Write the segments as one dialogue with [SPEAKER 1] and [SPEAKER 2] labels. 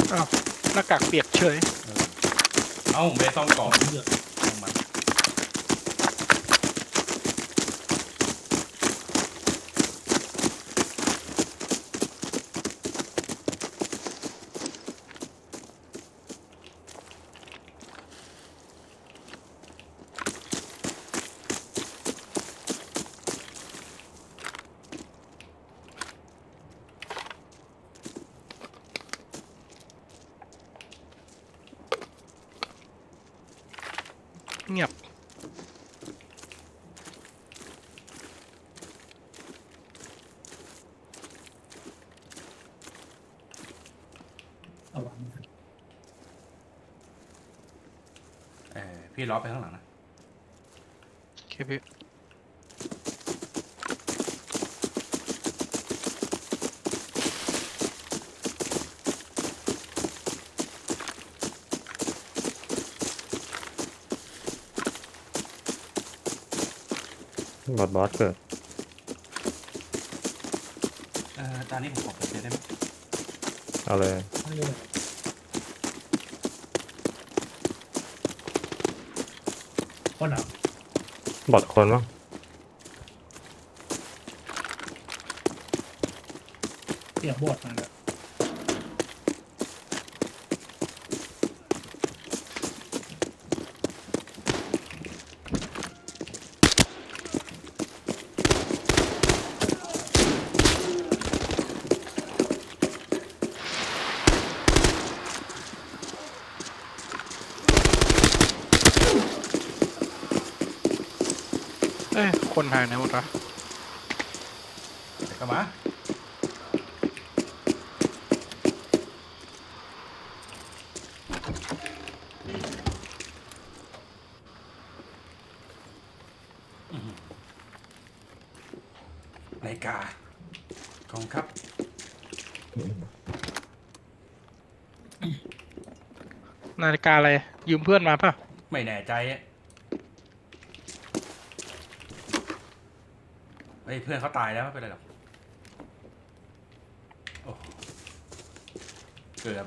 [SPEAKER 1] อ้าวหน้ากากเปียกเฉย
[SPEAKER 2] เอ้าผมไปซ่อมกล่องเลือกของมัน
[SPEAKER 1] เงียบ
[SPEAKER 2] พี่ล้อไปข้างหลังนะ
[SPEAKER 1] โอเคพี่
[SPEAKER 3] บอสเกิด
[SPEAKER 2] ตอนนี้ผมขอเปิดเจอได้ไหม
[SPEAKER 3] เอาเลย
[SPEAKER 4] คนเหรอบ
[SPEAKER 3] อสคนมั้ง
[SPEAKER 4] เสียงบวชมาเลย
[SPEAKER 1] คนหายไหนหมดวะ
[SPEAKER 2] เดี๋ยวก็มานาฬิกาของครับ
[SPEAKER 1] นาฬิกาอะไรยืมเพื่อนมาป่ะ
[SPEAKER 2] ไม่แน่ใจเฮ้ยเพื่อนเขาตายแล้วไม่เป็นไรหรอกโอ้เกือบ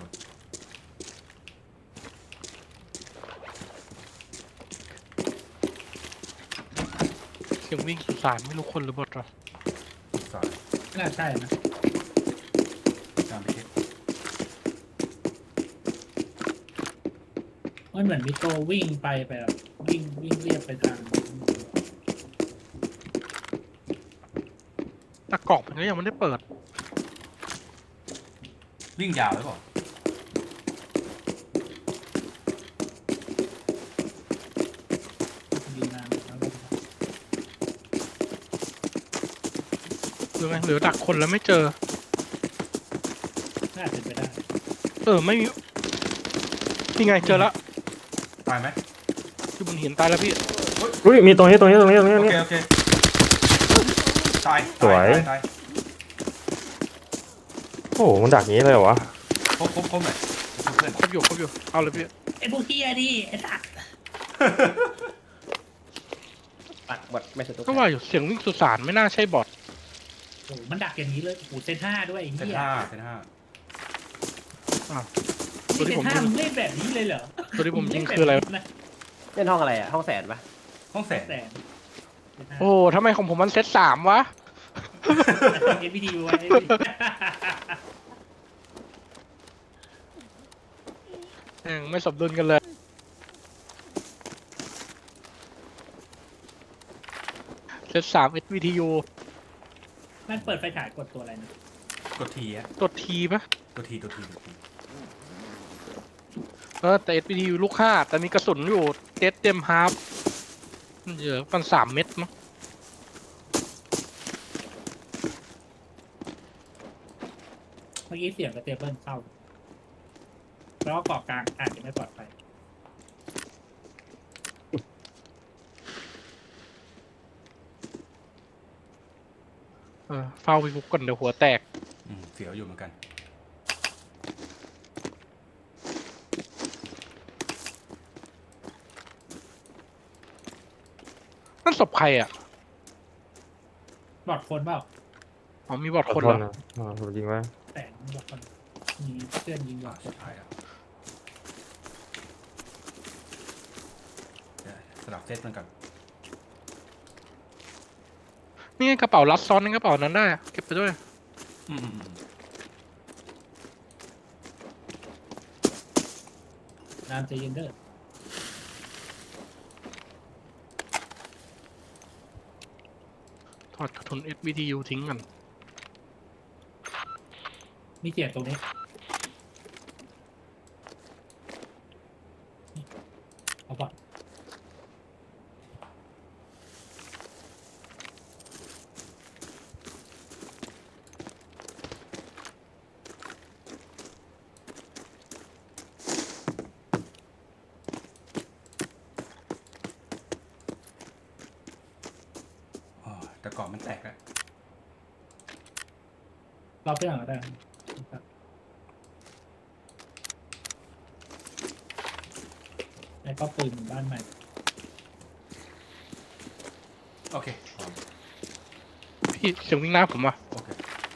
[SPEAKER 1] เสียงวิ่งสุสานไม่รู้คนหรือบอทหรอ
[SPEAKER 2] สอน
[SPEAKER 4] น่าใช่นะ
[SPEAKER 2] ตามไปเช็ค
[SPEAKER 4] มันเหมือนมีตัววิ่งไปแบบวิ่งเรียบไปทาง
[SPEAKER 1] หน้ากล่องมันก็ยังไม่ได้เปิด
[SPEAKER 2] วิ่งยาวหรือเปล่า
[SPEAKER 4] ยิงนานแล้ว
[SPEAKER 1] หรือไงหรือดักคนแล้วไม่เจอ
[SPEAKER 4] น่าเป็นไปได้
[SPEAKER 1] ไม่มีนี่ไงเจอแล้ว
[SPEAKER 2] ตายไหม
[SPEAKER 1] อยู่บนหินตายแล้วพี่
[SPEAKER 3] อุ้ยมีตรงนี้
[SPEAKER 2] โอเคโอเคตาย
[SPEAKER 3] สวย
[SPEAKER 2] ตาย
[SPEAKER 3] โอ้โหมันดักงี้เลยเหรอวะ
[SPEAKER 2] ครบเลยเพื่อน
[SPEAKER 1] ครบอยู่เอาเลยพี่
[SPEAKER 4] ไอ้พวกเฮียดิไอ้สัตว์
[SPEAKER 5] ปัดบอดไม่ใช่ตัว
[SPEAKER 1] ก็ว่าอยู่เสียงวิ่งสุสานไม่น่าใช่บอท
[SPEAKER 4] โอ้โหมันดักอย่างนี้เลยโอ้โหเซน5ด้วยไอ้
[SPEAKER 2] เซน
[SPEAKER 4] เฮีย
[SPEAKER 2] ห้าเซนห้า
[SPEAKER 1] ตัว
[SPEAKER 4] นี่
[SPEAKER 1] ที่
[SPEAKER 4] เซ
[SPEAKER 1] ผม
[SPEAKER 4] น
[SPEAKER 1] ยิง
[SPEAKER 4] 5มึงเล่นแบบนี้เลยเหรอ
[SPEAKER 1] ตัวที่ผมยิงคืออะไร
[SPEAKER 5] เล่นห้องอะไรอ่ะห้องแสนปะ
[SPEAKER 2] ห้องแสน
[SPEAKER 4] แต่
[SPEAKER 1] โอ้ทำไมของผมมันเซต3วะ
[SPEAKER 4] เอ็นพีดีไว้
[SPEAKER 1] ไม่สมดุลกันเลยเซต3 SVTU
[SPEAKER 4] มันเปิดไฟฉายกดตัวอะไรนะ
[SPEAKER 2] กดทีอะ
[SPEAKER 1] ตัวทีปะ
[SPEAKER 2] ตัวที
[SPEAKER 1] แต่ SVTU ลูก5แต่มีกระสุนอยู่เต็มฮาร์ฟเยอะมัน3 เม็ดมั้ง
[SPEAKER 4] เมื่อกี้เสียงกระเตเบิลเข้าแล้วก็เกาะกลางอาจจะไม่ปลอดภัย
[SPEAKER 1] เฝ้าพี่ฟุกก่อนเดี๋ยวหัวแตก
[SPEAKER 2] เสียวอยู่เหมือนกัน
[SPEAKER 1] นั่นศพใครอ่ะ
[SPEAKER 4] บอดคนเปล่า
[SPEAKER 1] มีบอทคน
[SPEAKER 3] เหร
[SPEAKER 1] เหรอ
[SPEAKER 3] ผมยิงไว้
[SPEAKER 4] แต่บอดคนมีเพื่อนยิงหลอด
[SPEAKER 2] สุดท้ายแล้วเดี๋ยวสลับเซตมันก่อน
[SPEAKER 1] นี่ไงกระเป๋ารัดซ้อนในกระเป๋านั้นได้อะเก็บไปด้วย
[SPEAKER 2] อืม
[SPEAKER 4] นามใจเย็นเด้อ
[SPEAKER 1] ถอดกระสุน SVTU ทิ้งกัน
[SPEAKER 4] มีเกียรติตรงนี้นี่เอาปะ
[SPEAKER 2] อ๋อแต่กรอบมันแตกแล้ว
[SPEAKER 4] เราเพื่อนก็ได้นะครับแล้วก็ปืนบ้านใหม่
[SPEAKER 2] โอเคพร้อม
[SPEAKER 1] พี่เสียงวิ่งหน้าผมว่ะ
[SPEAKER 2] โอเค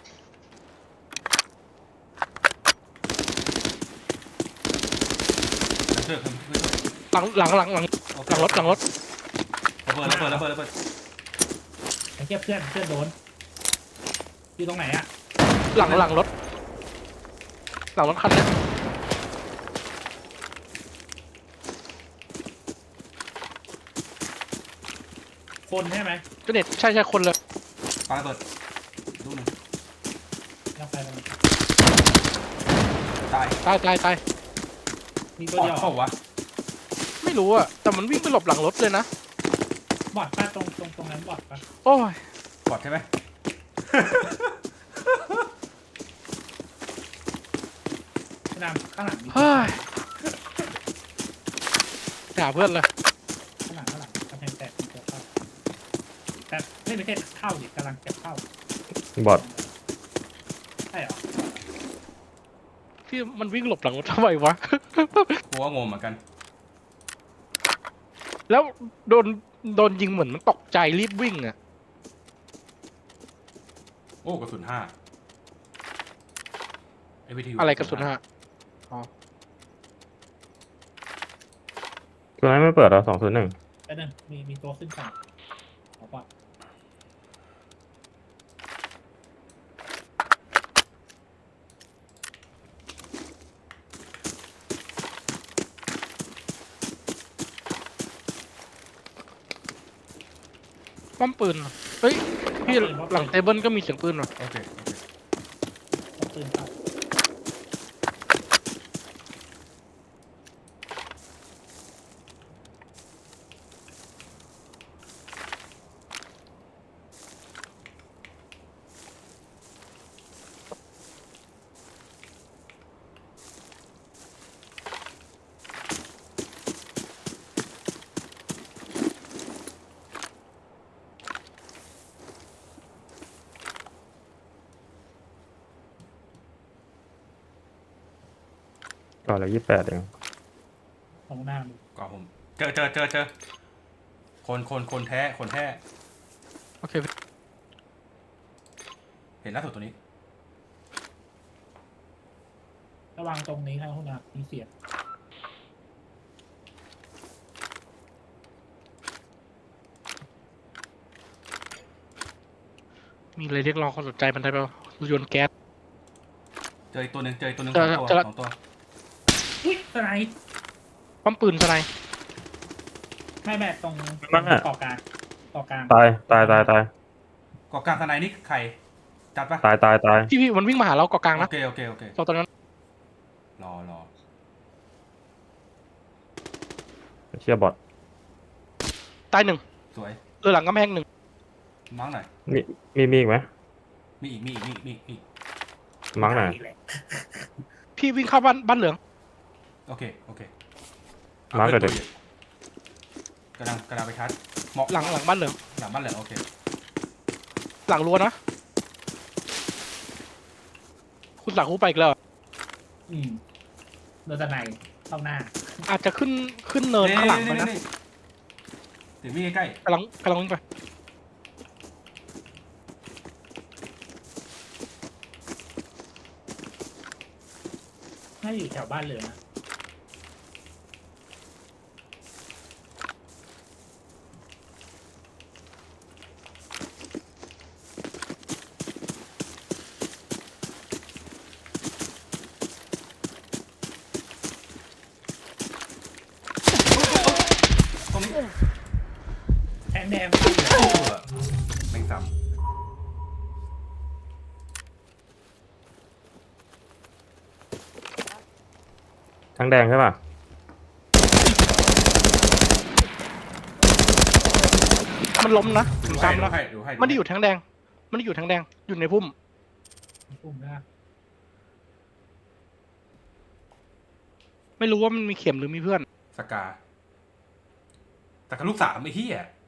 [SPEAKER 2] แล้วเจอเพื่อน
[SPEAKER 1] หลัง
[SPEAKER 2] โอเค
[SPEAKER 1] หลังรถ
[SPEAKER 2] ระเบิด
[SPEAKER 4] ไอ้เกียเพื่อนโดนอยู่ตรงไหนอะ
[SPEAKER 1] หลังรถหลังรถคันเนี้ย
[SPEAKER 4] คนใช่ไหม
[SPEAKER 1] ก็เน็ตใช่คนเลย
[SPEAKER 2] ปาระเบิดลูกหนึ่ง
[SPEAKER 4] เราไปแล้ว
[SPEAKER 2] ตาย
[SPEAKER 1] ตาย
[SPEAKER 4] มีตัว
[SPEAKER 2] ปอด
[SPEAKER 4] เดียว
[SPEAKER 2] เข้าวะ
[SPEAKER 1] ไม่รู้อะแต่มันวิ่งไปหลบหลังรถเลยนะ
[SPEAKER 4] บอดป้าตรงนั้นบอดป้า
[SPEAKER 1] โอ้ย
[SPEAKER 2] ปอดใช่ไหม
[SPEAKER 4] นามข้างหลังมี
[SPEAKER 1] เฮ้ยหาเพื่อนเลย
[SPEAKER 4] ข้างหลังกำแพงแตกมีตัวเข้าแต่ไม่ใช่เข้าดิกำลังจะเข้า
[SPEAKER 3] บอด
[SPEAKER 4] ใช่เหรอ
[SPEAKER 1] ที่มันวิ่งหลบหลังรถทำไมวะ
[SPEAKER 2] กูว่างงเหมือนกัน
[SPEAKER 1] แล้วโดนยิงเหมือนมันตกใจรีบวิ่งอะ
[SPEAKER 2] โอ้กระสุน5 AVTU
[SPEAKER 1] อะไรกระสุนฮะ
[SPEAKER 3] ตัวนั้นไม่เปิดเหรอ201
[SPEAKER 4] แล้วนั่นมีตัวขึ้นฝั่งเอาปะ
[SPEAKER 1] ป้อมปืนเหรอเฮ้ยพี่หลังเทเบิลก็มีเสียงปืนว่ะ
[SPEAKER 2] โอเค
[SPEAKER 4] เอาปืนเข้า
[SPEAKER 3] ก่อนละ28เอง
[SPEAKER 4] ตรงหน้ามึง
[SPEAKER 2] ก็ผมเจอคนแท้
[SPEAKER 1] โอเค
[SPEAKER 2] เห็นล่าสุดตัวนี้
[SPEAKER 4] ระวังตรงนี้ครับคุณอามีเสียง
[SPEAKER 1] มีอะไรเรียกร้องความสนใจมันได้ป่ะโยนแก๊ส
[SPEAKER 2] เจออีกตัวหนึ่ง
[SPEAKER 1] เจอ
[SPEAKER 2] สองตัว
[SPEAKER 4] อุ้ยสไนด์
[SPEAKER 1] ป้อมปืนสไนด์
[SPEAKER 4] ไม่ตรงเกาะกลาง
[SPEAKER 3] ตาย
[SPEAKER 2] เกาะกลางทนายนี่ใครจัดปะ
[SPEAKER 3] ตาย
[SPEAKER 1] พี่มันวิ่งมาหาเราเกาะกลาง
[SPEAKER 2] โอ
[SPEAKER 1] นะ
[SPEAKER 2] เค
[SPEAKER 1] ตอนนั้น
[SPEAKER 2] รอ
[SPEAKER 3] เชียบอด
[SPEAKER 1] ตายหนึ่ง
[SPEAKER 2] สวย
[SPEAKER 1] หลังกำแพงหนึ่ง
[SPEAKER 2] มั้งหน่อย
[SPEAKER 3] มีอีกไหม
[SPEAKER 2] มีอีก
[SPEAKER 3] มั้งหน่อย
[SPEAKER 1] พี่วิ่งเข้าบ้านเหลือง
[SPEAKER 2] โอเค
[SPEAKER 3] มาร์คเลยดิ
[SPEAKER 2] กำลังไปชาร์จเหมาะ
[SPEAKER 1] หลังบ้านเหลือง
[SPEAKER 2] หลังบ้านเหลืองโอเค
[SPEAKER 1] หลังรั้วนะ คุณหลังคูไปอีกแล้วเหรอ
[SPEAKER 4] โดนสไนด์เข้าหน้า
[SPEAKER 1] อาจจะขึ้นเนินข้างหลังไปนะ
[SPEAKER 2] ถึงมีใกล้
[SPEAKER 1] กำลังวิ่งไป
[SPEAKER 4] น่าอยู่แถวบ้านเลยนะ
[SPEAKER 2] ตรงนี้
[SPEAKER 4] แทงแดงเข้าอยู่
[SPEAKER 2] แม่งซ้
[SPEAKER 3] ทั้งแดงใช่ป่ะ
[SPEAKER 1] มันล้มนะ
[SPEAKER 2] ำ
[SPEAKER 1] ผม
[SPEAKER 2] ดู
[SPEAKER 1] ซ้ำแล้ว
[SPEAKER 2] ให้ดูให้
[SPEAKER 1] มันได้อยู่ทั้งแดง มันได้อยู่ทั้งแดง อยู่ในพุ่ม
[SPEAKER 4] ปุ่มนะ
[SPEAKER 1] ไม่รู้ว่ามันมีเข็มหรือมีเพื่อน
[SPEAKER 2] สกาแต่กับลูกสามไอ้เหี้ย